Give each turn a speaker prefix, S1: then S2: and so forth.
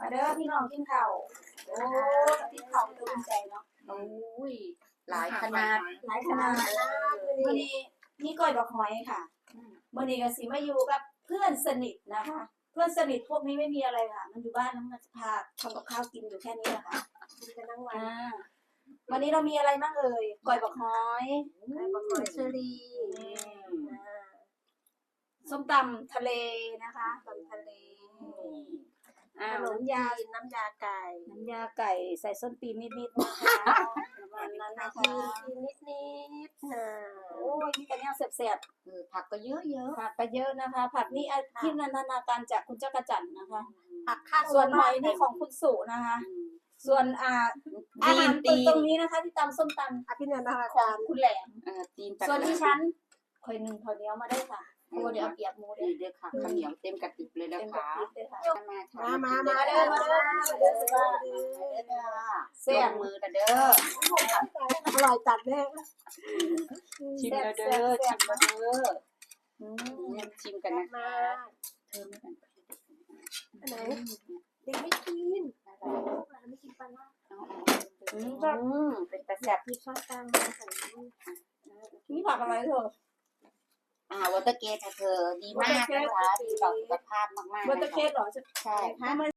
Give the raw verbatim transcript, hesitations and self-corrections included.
S1: มาเด้อพี่น้องกินข้าวโอ้กินข้าวตัวใจเนาะ
S2: โอ้ยหลายขนาด
S1: หลายขนาดวันนี้นี่ก้อยดอกหอยค่ะวันนี้ก็สิมาอยู่กับเพื่อนสนิทนะคะเพื่อนสนิทพวกนี้ไม่มีอะไรค่ะมันอยู่บ้านแล้วมันจะพาทำกับข้าวกินอยู่แค่นี้แหละค่ะกินกันทั้งวันวันนี้เรามีอะไรบ้างเอ่ยก้อยดอกหอยก้อยดอกหอยเชอรี่ส้มตำทะเลนะคะตำทะเลขนมยาน้ำยาไก่น้ำยาไก่ใส่ส้นตีนนิดๆนะคะประมาณนั้นนะคะนิดๆนะโอ้ยนี่กันเนี่ยแซ่บๆ
S2: เออผักก็เยอะเยอะ
S1: ผักก็เยอะนะคะ ผักนี่ที่นันทนาการจากคุณเจ้ากระจันนะคะ
S2: ผักข้าว
S1: ส่วนหอยนี่ของคุณสุนะคะ ส่วนอ่าอาหารตรงตรงนี้นะคะ ที่ตำส้มตำอภินันทนาการคุณแหลม
S2: เออจีน
S1: ส่วนที่ฉันคอยหนึ่งพอเดียวมาได้ค่ะโอ้เดี๋ยวเอาเปียกหมู
S2: ดี
S1: ได้
S2: เด้อค่ะข้าวเหนียวเต็มกระติบเลยนะ
S1: เป็น
S2: คะ
S1: แบบนี้เลยค่ะ
S2: มามา
S1: มาเด้อมาเด้อมาเด้อมาเด้อ
S2: เสียมือเด้อ
S1: อร่อยจัดแน่
S2: ชิมเด้อชิมเด้อชิมกันนะคะเธอไม่กัน
S1: ไหนเด็กไม่กินไม่กินปลาล่า
S2: อืมเป็นตะแซ่บ
S1: มีข้าวตังมาใส่นี่ผักอะไรเถอะ
S2: อ่าวอเตอร์เกตค่ะเธอดีมากนะคะดีต่อสุขภาพมากๆ
S1: วอเตอร์เคสเหรอ
S2: ใช่